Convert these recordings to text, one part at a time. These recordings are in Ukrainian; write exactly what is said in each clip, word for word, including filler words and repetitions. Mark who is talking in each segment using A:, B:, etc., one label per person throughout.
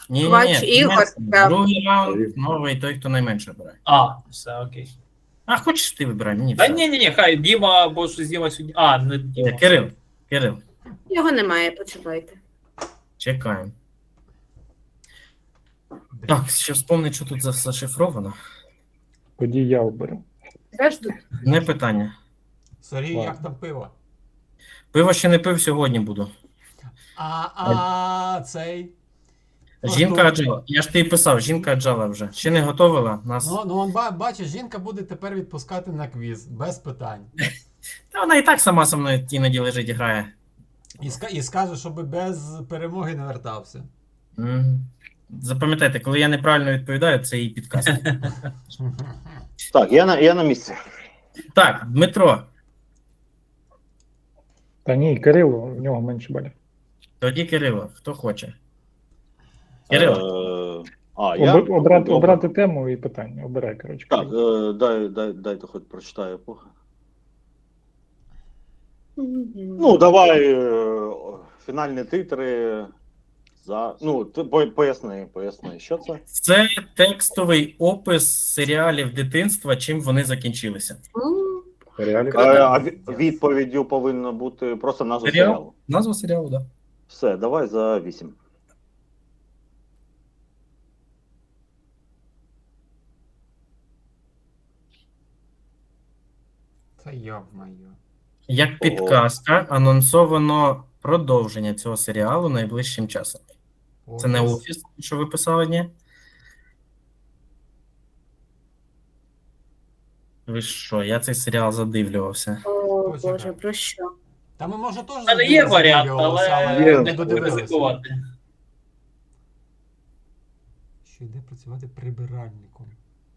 A: Ні,
B: Квач
A: ні,
B: Ігор,
A: ні.
B: так.
A: Другий раунд, новий, той, хто найменше обирає.
C: А, все, окей.
A: А хочеш ти вибирай, мені
C: Та
A: все.
C: ні, ні, ні, хай Діма, бо щось Діма сьогодні. А, не Діма.
A: Е, Кирил, Кирил,
B: Його немає, почекайте.
A: чекаємо. Так, ще вспомнить, що тут за- зашифровано.
D: Тоді я оберу.
B: Теж тут.
A: Не питання.
E: Сергій,
D: Ладно.
E: як там пиво?
A: Пиво ще не пив, сьогодні буду.
E: А, а цей.
A: Жінка
E: ну,
A: аджала. Я ж тобі писав, жінка аджала вже. Ще не готовила нас.
E: Ну, ну он ба- бачиш, жінка буде тепер відпускати на квіз, без питань.
A: Та вона і так сама со мною іноді лежить і грає.
E: І, ска- і скаже, щоб без перемоги не вертався.
A: Мгм. Запам'ятайте, коли я неправильно відповідаю, це її підказ.
F: Так, я на, я на місці.
A: Так, Дмитро,
D: Та ні, Кирило, в нього менше балів.
A: тоді Кирило, хто хоче. Кирило,
F: Е, а, я?
D: Об, обрати,
F: Добре.
D: обрати тему і питання. Обирай, коротше.
F: Так, е, дай, дай, дайте хоч прочитаю епоху. Ну, давай е, фінальні титри. За... Ну, ти по- поясни, поясни, що це?
A: це текстовий опис серіалів дитинства, чим вони закінчилися.
B: Ну,
D: Реалі?
F: Е, а ві- відповіддю повинно бути просто назва
A: Серіал?
F: серіалу.
A: Назва серіалу, так. Да.
F: Все, давай за вісім.
E: Та йо-моє.
A: Як підказка, анонсовано продовження цього серіалу найближчим часом. Це не офіс, що ви писали, ні? Ви що, я цей серіал задивлювався.
B: о,
E: Почекай.
B: Боже, про що?
E: Та ми може теж
C: У мене є варіант,
E: задивлювалися,
C: але
F: Є.
C: не буду ризикувати.
E: Що йде працювати прибиральником.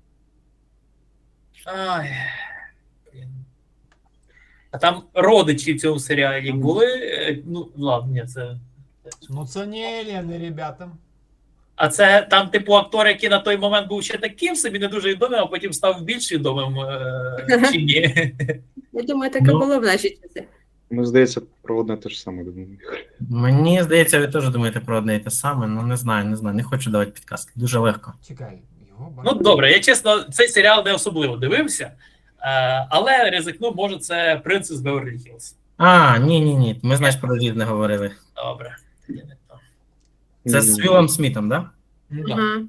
C: Ай. Блін. А там родичі в цьому серіалі були. е, Ну, ладно, ні, це.
E: Ну це не Еліни, ребята.
C: А це там, типу, актор, який на той момент був ще таким собі, не дуже відомим, а потім став більш відомим е, чи ні.
B: Я думаю, таке
A: Ну.
B: було в наші часи.
G: Ну, здається, про одне те ж саме думаю.
A: Мені здається, ви теж думаєте про одне і те саме, ну не знаю, не знаю, не хочу давати підказки. Дуже легко.
E: Чекай, його
C: Ну,
E: бачу.
C: добре, я чесно, цей серіал не особливо дивився, е, але ризикну, може, це Принцес Беверлі Хіллз.
A: А, ні, ні, ні. Ми, знаєш, про різне говорили.
C: Добре. Тоді не то.
A: Це з Вілом Смітом, так? Да?
C: Ну, да.
B: Ага.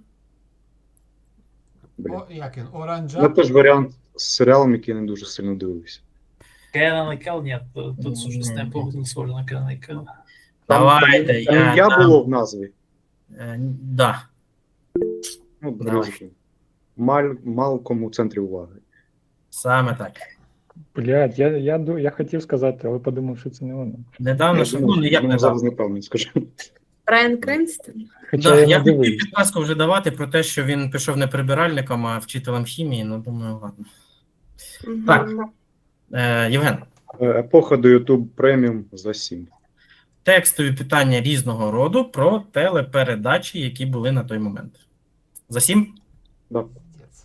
G: Блін.
E: О, як він? Оранжа.
G: Ну, теж варіант з серіалом, який я не дуже сильно дивився.
C: Кенан і Кел, ні, тут, тут щось не по- не схоже на Кенана і Кел.
A: Давайте,
G: Там
A: я,
G: я
A: дам.
G: було в назві.
A: Е, да.
G: Ну,
A: Давай.
G: ризики. Маль, Малком у центрі уваги.
A: Саме так.
D: Блядь, я, я, ду- я хотів сказати, але подумав, що це не воно.
A: Недавно,
G: Я
A: що
G: думаю,
A: ну, як
G: ну,
A: недавно.
G: зараз неправильно скажу.
B: Брайан Кренстон?
D: Хоча
A: Да,
D: я
A: я
D: не
A: хотів
D: дивився.
A: підказку вже давати про те, що він пішов не прибиральником, а вчителем хімії, ну думаю, ладно.
B: Мгм.
A: Так. Е, Євген,
G: Е, Епоха до YouTube преміум за сім.
A: текстові питання різного роду про телепередачі, які були на той момент. За сім?
G: Да.
E: Пиздец.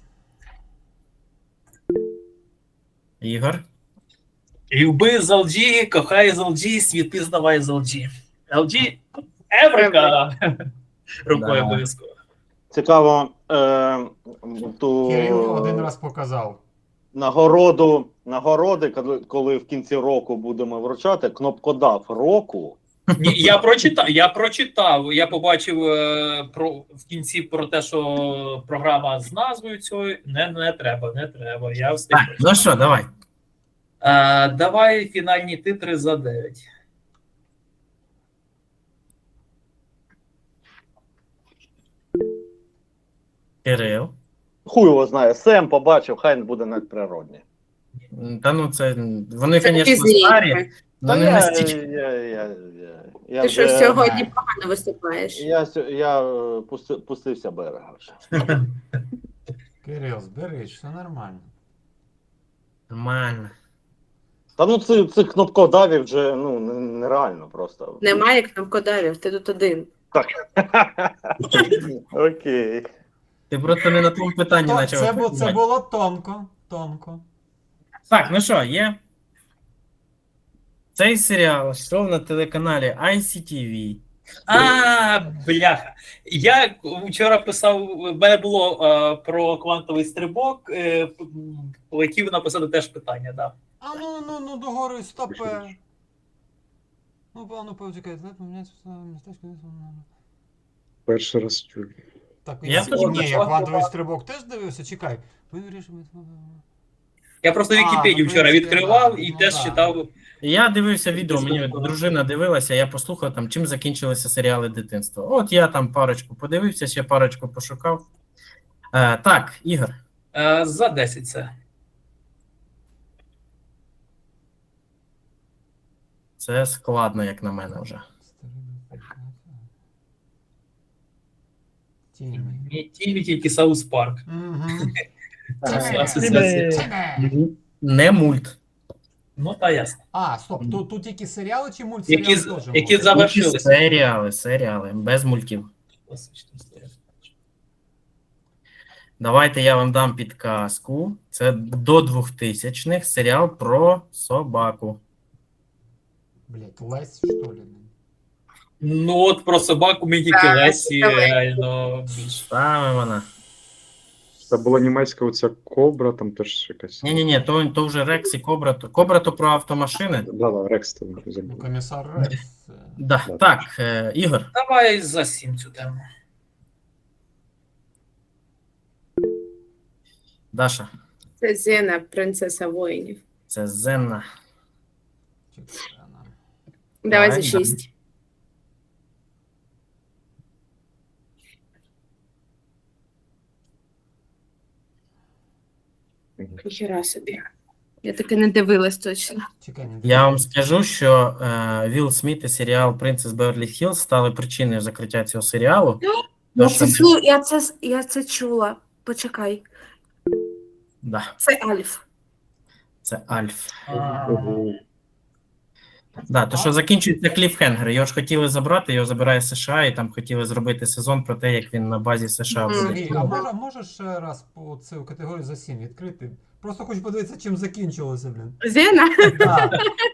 A: Ігор.
C: Люби з ел джі, кохай з ел джі, світи здавай з ел джі. ел джі Еврика! Рукою
A: Да.
C: обов'язково.
F: Цікаво, е, ту
E: Кирил один раз показав.
F: нагороду, нагороди, коли, коли в кінці року будемо вручати, кнопкодав року.
C: Ні, я прочитав, я прочитав, я побачив е, про, в кінці про те, що програма з назвою цією. Не, не треба, не треба. Я встиг.
A: Так, ну що, давай.
C: Е, давай фінальні титри за дев'ять.
A: Кирил.
F: Хуй його знає, Сем побачив, хай не буде надприродні.
A: Та ну це. Вони,
B: Це
A: звісно,
B: пізніше.
A: старі, але не
F: я,
A: настільки.
F: я, я, я, я,
B: Ти що
F: вже-
B: сьогодні погано виступаєш?
F: Я, сьо- я е, пусти, пустився берега вже.
E: Кирил, зберись, все нормально.
A: Нормально.
F: Та ну цих, цих кнопкодавів вже ну, н- нереально просто.
B: Немає кнопкодавів, ти тут один.
F: Окей.
A: Ти просто не на тому питанні
E: То,
A: почав.
E: це, бу- це
A: відповідати.
E: було тонко, тонко.
A: Так, ну що, є. Цей серіал йшов на телеканалі ай сі ті ві
C: А, бляха. Я вчора писав, в мене було е, про квантовий стрибок, е, п- м, хотів написати теж питання, да.
E: А ну, ну, ну, догори стопе. Ну, певно, почекай, знаєте, поміняється містечко.
G: Перший раз чую.
E: Так,
A: Я
E: ні,
A: теж
E: ні,
C: бачу.
E: я квантовий стрибок теж дивився, чекай. Ви вирішили.
C: Я просто
E: А,
C: Вікіпедію
E: ну, в
C: вчора
E: принципі,
C: відкривав
E: да.
C: і
E: Ну,
C: теж
E: да.
C: читав.
A: Я дивився відео, мені дружина дивилася, я послухав там, чим закінчилися серіали дитинства. От я там парочку подивився, ще парочку пошукав. Е, так, Ігор,
C: Е, за десять це.
A: це складно, як на мене вже.
E: Тімі.
C: Не тільки, тільки Саус Парк.
E: Мгм.
A: Не мульт.
C: Ну, та ясно.
E: А, стоп, тут, тут тільки серіали чи мультсеріали
C: Які, з-
E: теж?
C: які
E: можуть?
C: завершилися.
A: Серіали, серіали, без мультів. Давайте я вам дам підказку. Це до двохтисячних серіал про собаку.
E: Блять, Лесь, що ли?
C: Ну, от про собаку мені тільки
B: Так,
C: Лесі
B: давай.
C: реально більше.
A: Саме вона.
G: Це була німецька оця кобра, там теж якась.
A: Ні, ні, ні, то, то вже Рекс і Кобра. То- Кобра то про автомашини.
G: Да, да, Рекс там
E: Ну,
G: забув.
E: комісар Рекс. е,
A: Да.
G: Да.
A: Так, е, Ігор.
C: Давай за сім цю тему.
A: Даша.
B: Це Зена, принцеса воїнів.
A: Це Зенна.
E: чекай, вона.
B: Давай
A: Давай,
B: за
A: давай.
B: шість. Хіра собі. Я таки не дивилась точно.
E: Чекай, не
A: Я вам скажу, що е, Вілл Сміт і серіал Принцес Беверлі Хіллз стали причиною закриття цього серіалу.
B: Я
A: Тому
B: це,
A: що-
B: слу- я, це, я це чула. Почекай.
A: Да,
B: Це Альф.
A: це Альф.
G: Ого.
A: Да, то що закінчується кліфхенгер. Його ж хотіли забрати, його забирає США, і там хотіли зробити сезон про те, як він на базі США
B: Мгм.
A: буде.
E: Сергій, а може, можеш ще раз по цю категорію за сім відкрити? Просто хочу подивитися, чим закінчилося, блін.
B: Зена?
E: Так.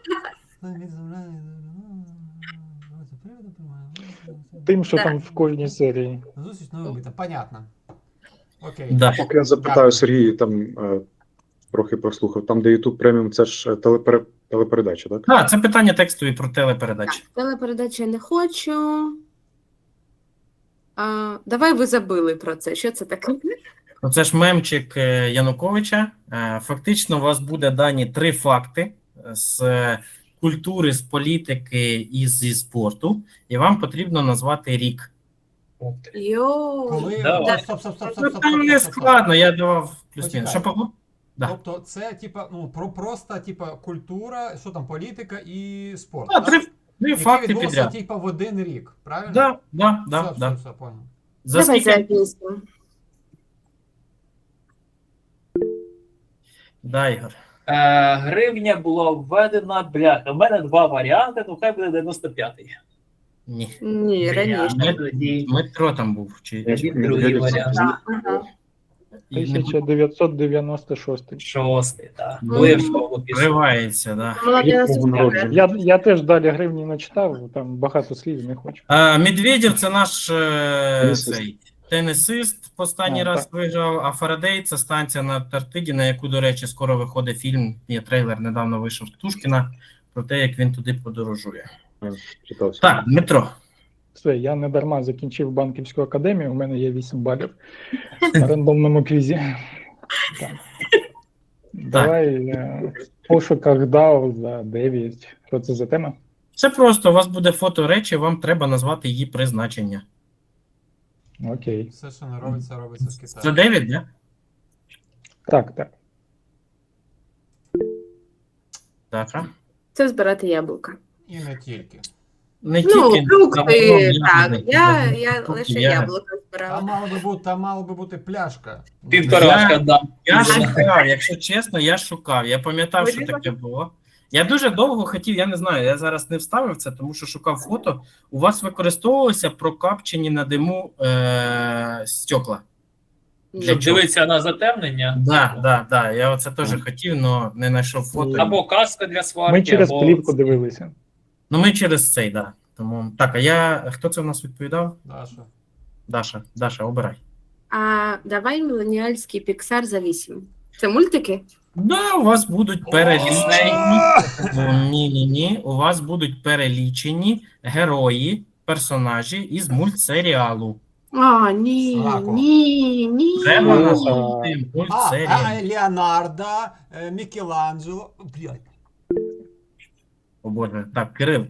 D: Тим, що
B: Так.
D: там в кожній серії.
E: Зустріч новим битом. Понятно. Окей.
A: Да.
G: Поки я запитаю
E: Дякую.
G: Сергій, там е, трохи прослухав, там, де YouTube преміум, це ж е, телепере... телепередача, так?
A: А, це питання текстові про телепередачі.
B: Телепередачі не хочу. А, давай ви забили про це. Що це таке?
A: Ну, це ж мемчик е, Януковича. Е, Фактично, у вас буде дані три факти з е, культури, з політики і зі спорту, і вам потрібно назвати рік.
C: Ух ти.
B: Йоу.
E: Коли...
C: Давай.
E: Стоп, стоп, стоп, стоп,
A: Ну,
E: стоп,
A: там
E: стоп,
A: не
E: стоп, стоп.
A: складно, я давав плюс-мінус.
E: Почекай.
A: Що Павло? Да.
E: Тобто це, типа, ну, про просто, типа, культура, що там, політика і спорт.
A: А,
E: так?
A: три, три
E: Які
A: факти
E: відбулося,
A: підряд.
E: типа, в один рік, правильно?
A: Да, да, да,
E: все,
A: да.
E: все, все, понял.
A: За
B: Давай за
A: скільки?
B: пісню.
A: Да, Ігор.
C: Е, гривня була введена, бляха. У мене два варіанти, ну хай буде дев'яносто п'ятий.
A: Ні.
B: Ні, раніше.
C: Бля, тоді-
A: Дмитро там був. Чи...
C: тоді другий варіант.
B: Ага.
A: І не
D: тисяча дев'ятсот дев'яносто шостий.
C: Шостий, так.
B: Ну,
C: Ну, я в школу пішов.
A: Вривається, да.
B: Молодець.
G: Якого народження?
D: Я, я теж далі гривні не читав, там багато слів не хочу.
A: А, Медведєв це наш е,
G: Тенісист.
A: цей, тенісист. Останній
D: А,
A: раз
D: так.
A: виграв, а Фарадей це станція на Антарктиді, на яку, до речі, скоро виходить фільм. Є трейлер, недавно вийшов Птушкіна про те, як він туди подорожує.
G: Е, Читався.
A: Так, Дмитро.
D: Все, я не дарма закінчив банківську академію, у мене є вісім балів на рандомному квізі. Так. Давай е, в пошуках дао за дев'ять. Що це за тема?
A: Це просто, у вас буде фото речі, вам треба назвати її призначення.
D: Окей.
E: Все, що не робиться, робиться з
A: Це
E: Китаю.
A: дев'ять, не?
D: Так, так.
A: Так, а?
B: Це збирати яблука.
E: І не тільки.
A: Не
B: Ну,
A: тільки
B: фрукти,
A: загалом
B: так.
A: ягоди,
B: Я,
A: ягоди,
B: я
A: фрукти,
B: лише
A: ягоди.
B: яблука
E: Там
B: збирала.
E: мало би бути, там мало би бути пляшка.
C: Півторашка, да.
A: Я шукав, якщо чесно, я шукав. Я пам'ятав, що таке було. Я дуже довго хотів, я не знаю, я зараз не вставив це, тому що шукав фото. У вас використовувалися прокапчені на диму е- стекла. Для
C: Щоб
A: чого?
C: дивитися на затемнення.
A: Да, да, да. Я оце теж хотів, але не знайшов фото.
C: Або каска для сварки,
D: Ми через
C: або...
D: плівку дивилися.
A: Ну, ми через цей, да. Тому так, а я хто це в нас відповідав?
E: Даша.
A: Даша, Даша, обирай.
B: А давай міленіальський Піксар за вісім. Це мультики?
A: Да, у вас будуть перелічені. Ні, ні, ні. У вас будуть перелічені герої, персонажі із мультсеріалу.
B: А, ні,
E: Сраку.
B: ні, ні.
A: Треба
D: Ну,
A: назвати
E: А,
A: мультсеріал.
E: а, Леонардо, е, Мікеланджело. Блядь.
A: О Боже, так, Кирил.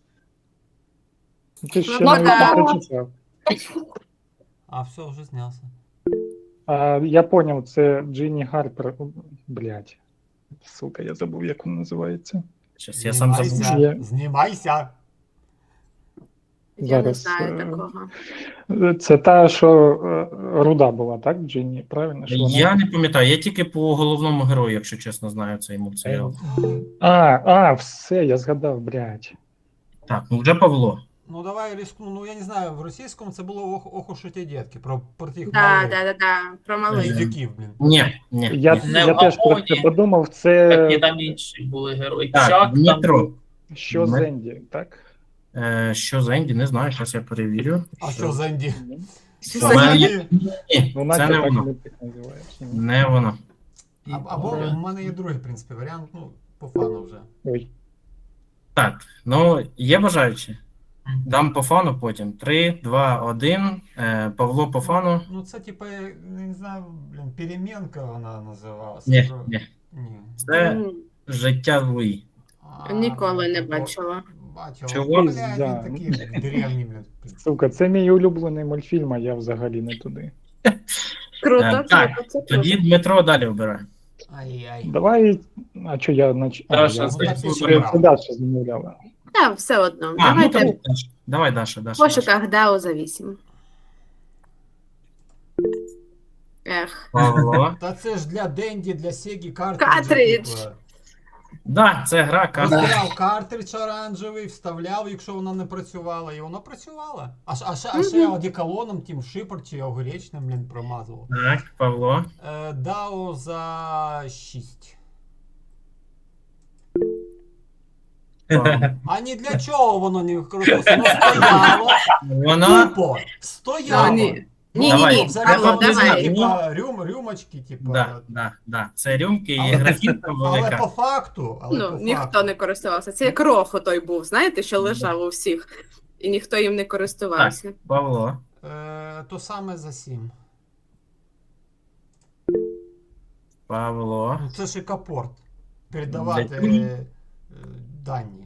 D: Ти ще
B: Ну,
D: навіть
B: да.
D: не прочитав.
E: А, все, вже знявся.
D: А, я поняв, це Джинні Гарпер. Блять. Сука, я забув, як вона називається.
A: Щас я сам забув.
E: Знімайся,
D: Я-
E: знімайся.
B: Я не
D: Зараз,
B: знаю
D: е,
B: такого.
D: Це та, що е, руда була, так, Джинні? Правильно? Що вона...
A: Я не пам'ятаю, я тільки по головному герою, якщо чесно, знаю цей мультсеріал.
D: А, а, все, я згадав, блядь.
A: Так, ну вже Павло.
E: Ну давай рискну. Ну я не знаю, в російському це було ох, ох уж ті дітки, про, про тих
B: Да,
E: малих
B: да, да, да, про малих.
E: дідюків, блін.
A: Ні, ні.
D: Я,
A: ні.
C: Не
D: я
C: в
D: теж про
C: Гамоні.
D: це подумав,
C: Так, і
D: це
C: там інші були герої.
A: Так,
C: Чак, там
A: Дмитро.
D: що
A: Ми-
D: Зенді, так?
A: Е, що за Енді, не знаю, зараз я перевірю.
E: А що за інді?
B: Що
E: Що
B: за
E: за
A: Мене-
E: інді?
A: Ні,
D: Ну,
A: це
D: Настя
A: не
D: так
A: воно.
D: не так називаєш. ні?
A: Не воно.
E: А- Або в мене є другий, в принципі, варіант, ну, по фану вже.
D: Ой.
A: Так, ну є бажаючі. Дам по фану потім. Три, два, один. Е, Павло по фану.
E: Ну це типа, я не знаю, блін, перемінка вона називалася.
A: Ні,
E: Про-
A: ні.
E: Ні.
A: Це
B: М,
A: життя Луї.
E: А,
B: Ніколи не
E: бо-
B: бачила.
E: Бачила.
A: Чого?
E: Блядь,
D: Пізда.
E: він такий древній, блін.
D: Сука, це мій улюблений мультфільм, а я взагалі не туди.
B: Круто,
A: Е,
B: круто,
A: так,
B: це круто.
A: Тоді Дмитро далі обирає.
E: Ай-яй.
D: Давай, а що я нач... а,
C: Даша,
D: я...
C: це
D: це,
E: супер.
D: це Даша замовляла.
B: Так, все одно.
A: А, ну
B: Давайте
A: тоді Даша. Давай, Даша,
B: в
A: Даша. Даша.
B: пошуках Дао за вісім. Ех.
A: Павло.
E: Та це ж для Денді, для Сегі картридж.
B: Картридж.
A: Да, це гра карта.
E: Вставляв картридж оранжевий, вставляв, якщо вона не працювала, і вона працювала. А, ш- а, ще- а ще одеколоном, тим шипер чи огуречним, блін, промазував.
A: Так, Павло.
E: Е, Дао за шість.
A: Павло.
E: А ні для чого воно не використовувалося? Воно стояло,
A: Вона.
E: тупо, стояло.
B: Ну, ні. Ні,
A: Давай.
B: ні, ні,
E: Взагалі,
B: Павло,
A: Павло,
B: давай.
E: Типа рюм, рюмочки, типа.
A: Да, да, да. Це рюмки і
E: Але-
A: графінка
E: Але
A: велика.
E: по факту, але
B: Ну,
E: по
B: ніхто
E: факту.
B: не користувався. Це як рохо той був, знаєте, що лежав у всіх, і ніхто їм не користувався.
A: Павло.
E: Е, то саме за сім.
A: Павло.
E: Ну, це ж і капорт. Передавати
A: Для-
E: е, дані.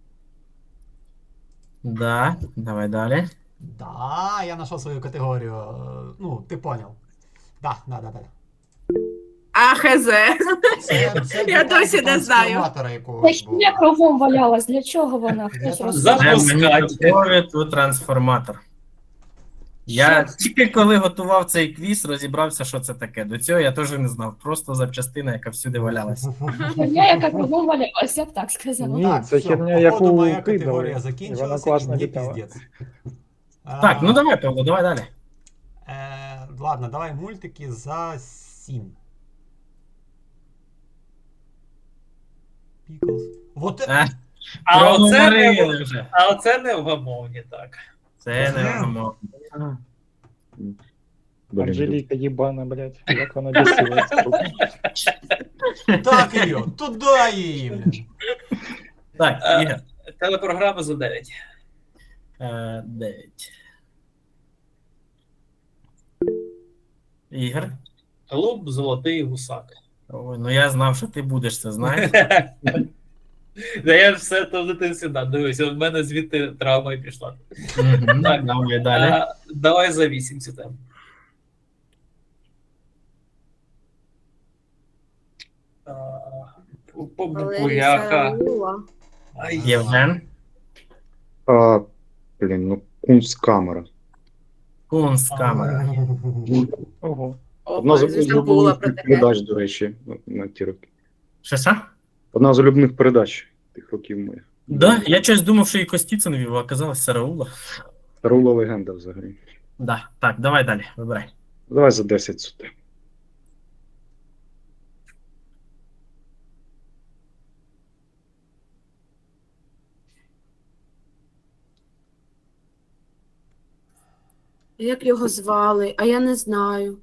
A: Да, давай далі.
E: Да, я знайшов свою категорію. Е, Ну, ти поняв. Да, да, да, да.
B: А, хз.
E: Це, це
B: Я
E: для
B: досі не знаю.
E: трансформатора якогось
H: Та
E: був.
H: я кругом валялась, для чого вона?
E: Для
H: Хтось
E: трансформатора.
H: розкаже.
A: Це
C: Запускати.
A: моніторить трансформатор. Я тільки коли готував цей квіз, розібрався, що це таке. До цього я теж не знав. Просто запчастина, яка всюди валялася.
H: Херня, яка кругом валялась, я б так сказала.
D: Ні,
E: Так,
D: це
E: все,
D: херня,
E: походу,
D: яку
E: моя
D: кидали,
E: категорія
D: і вона
E: закінчилася,
D: класно
E: мені
D: літала.
E: піздець.
A: Так, ну давай, Павло, давай далі.
E: Е, ладно, давай мультики за сім. Піклз. Вот е-
A: А,
C: А оце, не,
A: проговорили
C: в-
A: вже.
C: а оце не в гамовні, так.
A: Це не воно.
G: Блін,
D: Анжеліка їбана, блядь, як вона бісила. сука.
E: Так її, туди її, блін.
A: Так,
C: Е,
A: Ігор.
C: Телепрограма за дев'ять.
A: Е, Дев'ять. Ігор.
C: Голуб, золотий гусак.
A: Ой, ну я знав, що ти будеш це, знаєш.
C: Да я все то в дитинстві да, дивився, в мене звідти травма і пішла.
A: Мгм, так, давай далі.
C: А, давай за вісім цю тему. А, по- по
B: Валерій
C: Букуляка.
B: Сараула.
C: Ай,
A: Євген.
G: А, блін, ну кунсткамера.
A: Кунсткамера.
D: Ого.
G: Одна з
B: О, звісно, була
G: улюблених
B: про таке.
G: передач, до речі, на, на ті роки.
A: Що що?
G: Одна з улюблених передач тих років моїх.
A: Да, я щось думав, що і Костіцин вів, а оказалось Сараула.
G: Тарула легенда взагалі.
A: Да. Так, давай далі, вибирай.
G: Давай за десять сюди.
B: Як його звали? А я не знаю.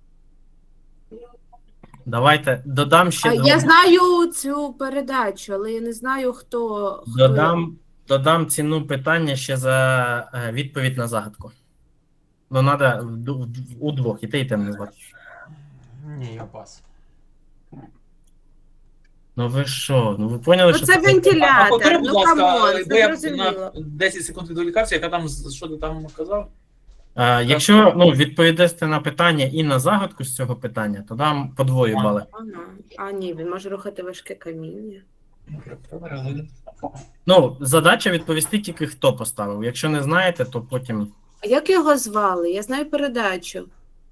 A: Давайте додам ще
B: А
A: два.
B: я знаю цю передачу, але я не знаю, хто. хто...
A: Додам, додам ціну питання ще за е, відповідь на загадку. Ну, треба у двох, і те, і те назвати.
E: Ні, я пас.
A: Ну ви що? Ну ви поняли,
B: Ну,
A: що
B: це
C: А
B: вентилятор.
C: повтори, будь
B: Ну,
C: ласка,
B: камон,
C: бо я
B: це зрозуміло.
C: на десять секунд відволікався, яка там, що ти там казав?
A: Е, якщо ну, відповідасте на питання і на загадку з цього питання, то дам подвою бали.
B: Ага. А ні, він може рухати важке каміння.
A: Ну, задача відповісти тільки хто поставив. Якщо не знаєте, то потім.
B: А як його звали? Я знаю передачу.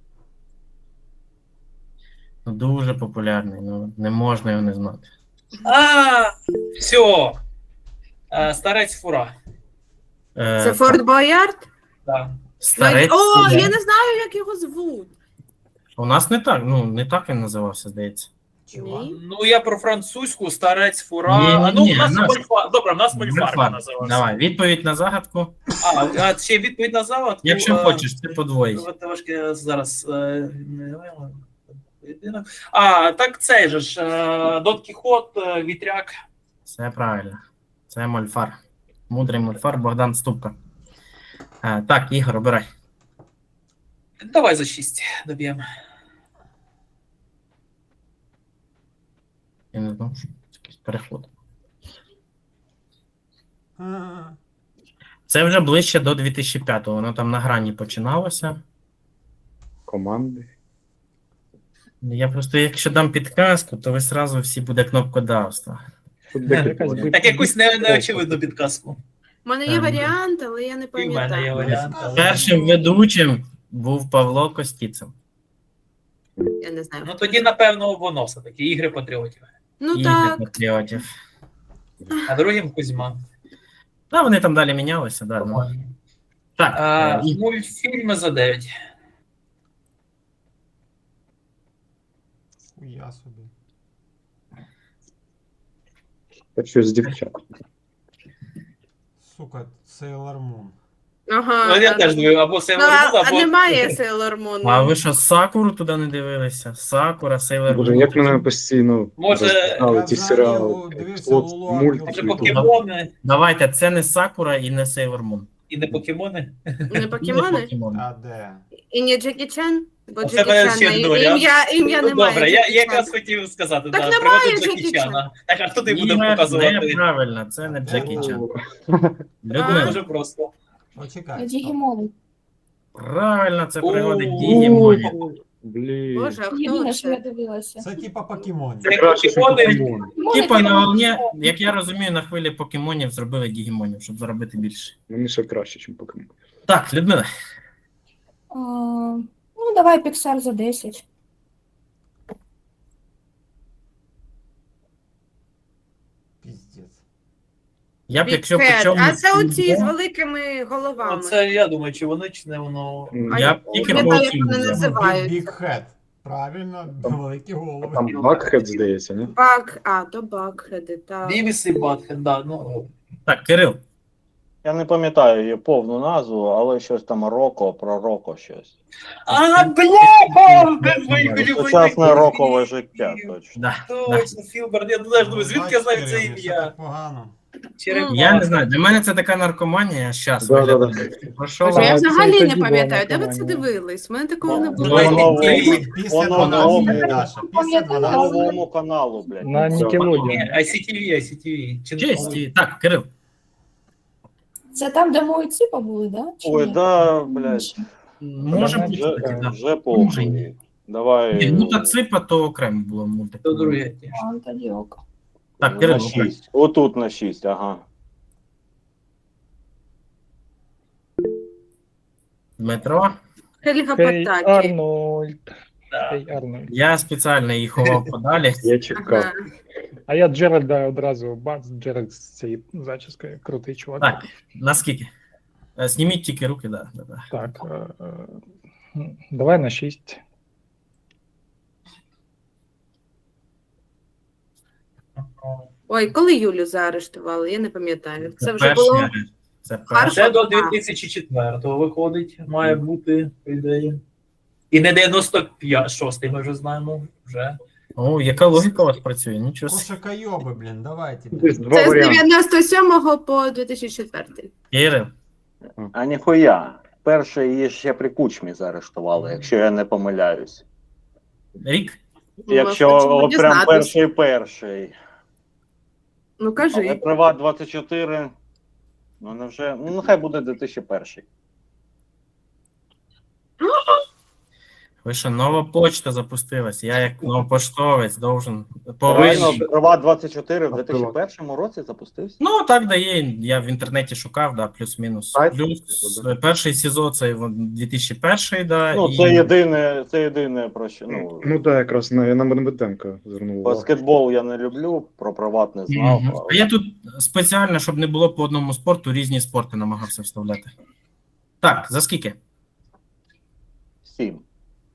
A: Ну, дуже популярний, ну не можна його не знати.
C: А, все. Е, Старець фура.
A: Е,
B: Це Форт Боярд?
C: Да.
A: Старець.
B: О,
A: Фура.
B: я не знаю, як його звуть.
A: У нас не так, ну не так він називався, здається.
B: Ні.
C: Ну, я про французьку, старець фура.
A: Ні, ні,
C: А, ну,
A: ні,
C: у нас
A: у нас-
C: мольфар. Добре, у нас мольфарка
A: Мольфар.
C: називався.
A: Давай, відповідь на загадку.
C: А, а ще відповідь на загадку.
A: Якщо
C: е,
A: хочеш, це подвоїть.
C: от Трошки зараз. е, не- поєдинок. А, так цей же ж. е, Дон Кіхот, е, вітряк.
A: Все правильно. Це мольфар. Мудрий мольфар Богдан Ступка. Е, так, Ігор, обирай.
C: Давай за шість доб'ємо.
A: Я не знаю, що це якийсь переход.
E: А,
A: Це вже ближче до дві тисячі п'ятого. Воно там на грані починалося.
G: Команди.
A: Я просто, якщо дам підказку, то ви сразу всі буде кнопкодавство.
G: Тут
D: Якась
G: декілька.
D: би-
C: Так якусь не, неочевидну підказку.
B: У мене є
A: Ем.
B: варіант, але я не
C: І в мене є
B: пам'ятаю.
C: варіант. але-
A: Першим ведучим був Павло Костіцин.
B: Я не знаю.
C: Ну тоді, напевно, воно все-таки ігри патріотів.
B: Ну
A: Ігри
B: так.
A: патріотів.
C: А другим Кузьма.
A: Ну, вони там далі мінялися, да. Ну. Так,
C: А,
A: е, і-
C: мультфільми за дев'ять.
E: Хуя собі.
G: Та щось з дівчат.
E: Сука, Sailor Moon.
B: Ага.
C: Ну, я
B: а-
C: теж думаю, або
B: Ну,
C: Sailor
B: а,
C: Moon,
B: а
C: або...
B: немає Sailor Moon.
A: а ви що, Сакуру туди не дивилися? Сакура, Sailor
G: Боже,
A: Moon.
G: як мене постійно
C: Може,
G: роздали
E: я
G: ті
E: взагалі
G: серіали.
E: дивився
G: От
E: Лулу
C: Може,
G: мультики.
E: Акілу.
C: покемони
A: Давайте, це не Сакура і не Sailor Moon.
C: і не покемони.
B: Не
A: І
B: покемони?
A: не покемони.
E: А де?
B: І не Джекі Чен? Бо
C: У
B: Джекі
C: тебе
B: Чен
C: ще
B: не-
C: доля.
B: ім'я, ім'я
C: Ну,
B: немає.
C: добре, я,
B: Джекі
C: я
B: Чен.
C: якраз хотів сказати,
B: Так
C: да,
B: немає
C: приведу
B: Джекі
C: Джекі
B: Чана.
C: Чана. Так, а хто ти буде
A: Ігор,
C: показувати?
A: неправильно, це не Джекі Чан.
C: Це
A: Людмила,
C: дуже просто.
E: Почекай.
H: Дігімон.
A: правильно, це пригоди
C: О,
A: Дігімонів.
G: Блін.
B: Боже, а хто
H: Єдине, що я
B: це?
H: дивилася.
E: Це типа покемонів.
C: Це
G: Краще, що
C: покемони.
G: покемон.
A: Типа на волні, як я розумію, на хвилі покемонів зробили Дігімонів, щоб заробити більше.
G: Мені ще краще, ніж покемон.
A: Так, Людмила,
H: А, ну, давай Pixar за десять.
E: Піздець.
A: я б якщо по
B: Бікет.
A: чому...
B: А це оці з великими головами.
C: Це я думаю, чи воно, чи не воно.
B: А
A: Я б тільки
B: не
A: по
B: знаю, як
A: цьому
B: вони
A: взяв.
B: називаються.
E: Big Head. Правильно, великі голови.
G: Там Бакхед, здається, ні?
B: Бак, а, то Бакхеди, так.
C: Бівіс і Батхед, да, ну.
A: Так, Кирил,
F: Я не пам'ятаю її повну назву, але щось там Роко, про Роко щось.
C: А, бля! Без моїх улюблених
F: Сучасне
C: фільмів.
F: рокове життя, точно.
A: да, да.
C: Точно, Філберт, я теж думаю, звідки я знаю це
E: Бачиш, Кирил, не все
C: ім'я?
E: так погано.
C: Черепашка.
A: Я не знаю, для мене це така наркоманія зараз.
G: Да, да, да.
A: Про що
B: Боже, я
A: вам?
D: це
B: взагалі
D: тоді
B: не
D: була
B: пам'ятаю, де ви це
D: наркоманія.
B: дивились? У мене такого не
F: Ну,
B: було.
F: воно новому,
E: Після
F: воно
E: дванадцяти,
F: новому,
E: Даша. Після
F: воно
E: дванадцяти.
F: новому каналу, блядь.
D: На
C: Ні,
D: Nickelodeon.
C: ай сі ті ві, ай сі ті ві. Чи не
A: Честі. Так, Кирил.
H: Це там, де мої ціпа були, да? Чи
F: Ой,
H: ні?
F: да, блядь,
A: Може бути,
F: вже,
A: кстати, да.
F: вже похуй. Давай.
A: Ні, ну та ципа, то окремо було мультик.
C: То друге.
H: А, тоді ок.
A: Так,
F: На
A: Кирил,
F: шість. Отут на шість, ага.
A: Дмитро.
B: Хельга
D: Хей
B: Патакі.
D: Арнольд.
C: Да.
D: Хей Арнольд.
A: Я спеціально її ховав подалі.
G: Я чекав.
B: Ага.
D: А я Джеральда одразу бац, Джеральд з цією зачіскою. Крутий чувак.
A: Так, наскільки? Е, Зніміть тільки руки, да. да, да.
D: Так. е, е, давай на шість.
B: Ой, коли Юлю заарештували, я не пам'ятаю. Це вже
A: перший
B: було.
A: арешт. Це
B: Харків.
A: перше.
C: Це до дві тисячі четвертого виходить, має бути, по ідеї. І не дев'яносто шостий, ми вже знаємо. Вже.
A: О, яка логіка у вас працює? Нічого собі.
E: Кошакайоби, блін, давайте.
G: Десь два
B: Це з
G: варіанти.
B: дев'яносто сьомого по дві тисячі четвертий.
A: Кирил.
F: А ніхуя. Перший її ще при кучмі заарештували, якщо я не помиляюсь.
A: Рік.
F: Якщо от прям перший перший.
B: Ну
F: Але
B: кажи.
F: Приват двадцять чотири. Ну невже. Ну нехай буде дві тисячі перший.
A: Ви що, нова почта запустилась. Я як новопоштовець должен
F: Правильно,
A: повинен.
F: Приват двадцять чотири в дві тисячі першому році запустився.
A: Ну, так дає. Я в інтернеті шукав, да, плюс-мінус.
G: Сайт?
A: Плюс е, перший СІЗО це дві тисячі перший, да.
F: Ну,
A: і...
F: це єдине, це єдине про що. Ну,
G: Ну так, якраз на, я на Медведенка звернув увагу.
F: баскетбол я не люблю, про приват не знав.
A: Мгм.
F: але-
A: А я тут спеціально, щоб не було по одному спорту, різні спорти намагався вставляти. Так, за скільки?
F: Сім.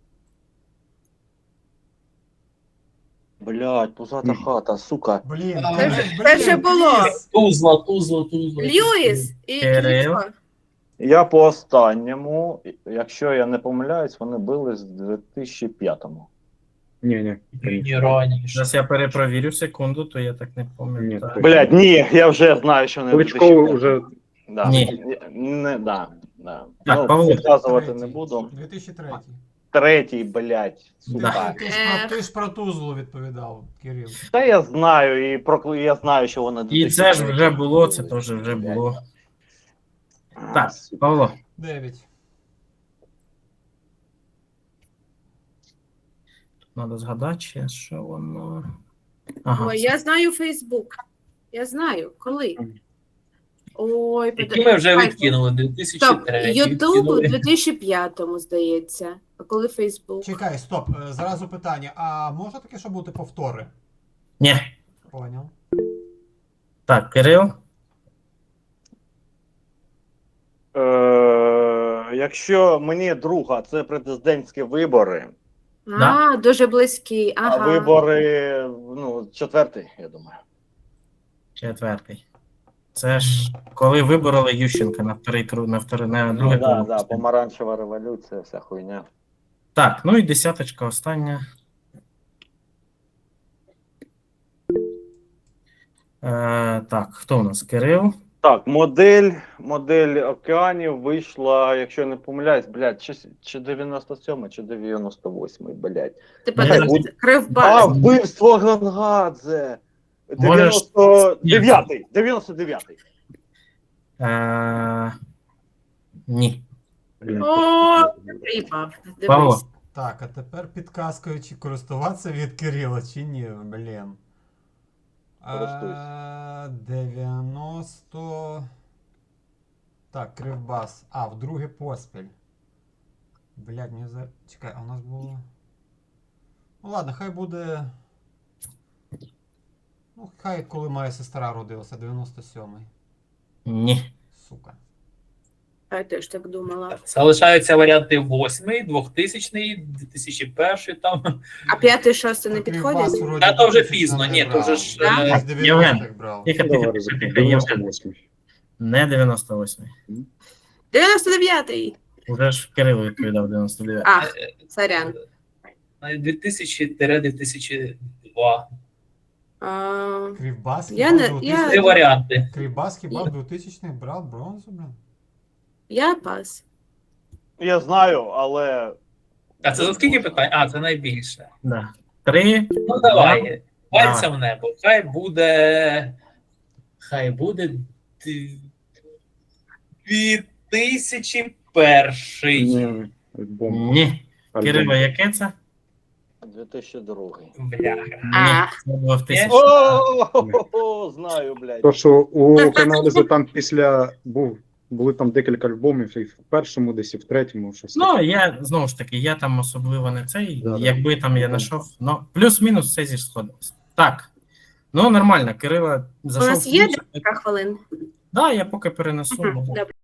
F: Блять, пузата хата, сука.
E: Блін,
C: А,
E: блін,
B: це
E: блін,
B: ж було.
E: Кріс.
C: Тузла, тузла, тузла.
B: Льюіс і
A: Кирил.
B: Кличко.
F: Я по останньому, якщо я не помиляюсь, вони били з дві тисячі п'ятому.
G: Ні, ні.
C: Ні, раніше.
A: Зараз я перепровірю секунду, то я так не
G: Ні,
A: пам'ятаю.
G: ти-
F: Блять, ні, я вже знаю, що не
G: Кличко вже
F: Да.
A: Ні.
F: Не, да, да.
A: Так,
F: ну,
A: Павло.
F: підказувати
E: Третій.
F: не буду.
E: дві тисячі третій.
F: Третій, блять, сука.
A: Да.
E: Ти ж про, ти ж про Тузлу відповідав, Кирил.
F: Та я знаю, і про я знаю, що вона
A: І це ж вже було, це теж вже було. Так, Павло,
E: Дев'ять.
A: треба згадати, ще, що воно. Ага.
B: Ой, я знаю Фейсбук. Я знаю. Коли? Ой,
C: Які ми вже
B: Ай,
C: відкинули, дві тисячі
B: Стоп,
C: третій.
B: Ютуб у
C: відкинули.
B: дві тисячі п'ятому, здається. А коли Фейсбук?
E: Чекай, стоп, е, зразу питання. А може таке, що бути повтори?
A: Ні.
E: Поняв.
A: Так, Кирил.
F: Е, якщо мені друга, це президентські вибори,
B: А, дуже близький. Ага.
F: а вибори, ну, четвертий, я думаю.
A: Четвертий. Це ж коли вибороли Ющенка на вторий кру- на вторий, на
F: Ну,
A: друге
F: да,
A: коло.
F: да, помаранчева революція, вся хуйня.
A: Так, ну і десяточка остання. Е, так, хто у нас? Кирил.
F: Так, модель, модель океанів вийшла, якщо я не помиляюсь, блядь, чи, чи дев'яносто сьомий, чи дев'яносто восьмий, блядь.
B: Типа
A: Ні,
B: так,
F: будь- А,
B: Кривбас.
F: вбивство Гангадзе!
A: Можеш-
F: дев'яносто дев'ятий, дев'яносто дев'ятий.
A: Е, ні.
G: блін,
B: О, Приїбав.
A: Павло.
B: Дивись.
E: Так, а тепер підказкою, чи користуватися від Кирила, чи ні, блін.
F: Користуйся.
E: Е, дев'яносто. Так, Кривбас. А, вдруге поспіль. Блядь, мені за. Чекай, а у нас було. Ну ладно, хай буде. Ну, хай коли моя сестра родилася, дев'яносто сьомий.
A: Ні.
E: Сука.
B: Я теж так думала.
C: Залишаються варіанти восьмий, двохтисячний, дві тисячі перший там.
B: А п'ятий, шостий не
E: Так, Кривбас
B: підходять?
E: вроді
C: Та то вже
E: двохтисячний
C: пізно,
E: не
C: ні, то
E: брав.
C: вже ж,
B: Да?
C: е,
E: Я з дев'яностих брав.
A: Тихо,
G: Ну,
A: тихо,
G: давай,
A: тихо,
G: ризикнемо.
A: тихо, Євген.
G: дев'яносто восьмий.
A: Не дев'яносто восьмий.
B: дев'яносто дев'ятий.
A: Уже ж Кирило відповідав дев'яносто дев'ятий.
B: А, сорян.
C: дві тисячі - дві тисячі два.
B: А,
E: Кривбас
B: Я
E: хіба
B: не-
E: в
B: я-
C: Три
E: двохтисячних
C: варіанти.
E: Кривбас хіба в двохтисячних брав бронзу, блін?
B: я пас.
F: Я знаю, але.
C: А це за скільки питань? А, це найбільше.
A: Да. Три.
C: Ну давай.
A: Давай.
C: Пальцем в небо. Хай буде. Хай буде. Дві тисячі перший.
G: Ні, альбом.
A: Ні.
G: Альбом.
A: Кирило, яке це?
F: дві тисячі другий.
C: Бляха.
B: А.
A: Ні. Це було в тисячі.
F: О, знаю, блядь.
G: То, що у каналізу там після був, були там декілька альбомів, і в першому, десь і в третьому, щось.
A: Ну,
G: таке.
A: я знову ж таки, я там особливо не цей.
G: Да, да.
A: Якби там я знайшов, ну, плюс-мінус все зі сходилось. Так. Ну, нормально, Кирила
B: У
A: зайшов.
B: нас є
A: в плюс.
B: декілька хвилин.
A: Да, я поки перенесу.
B: Мгм,
A: бо-
B: добре.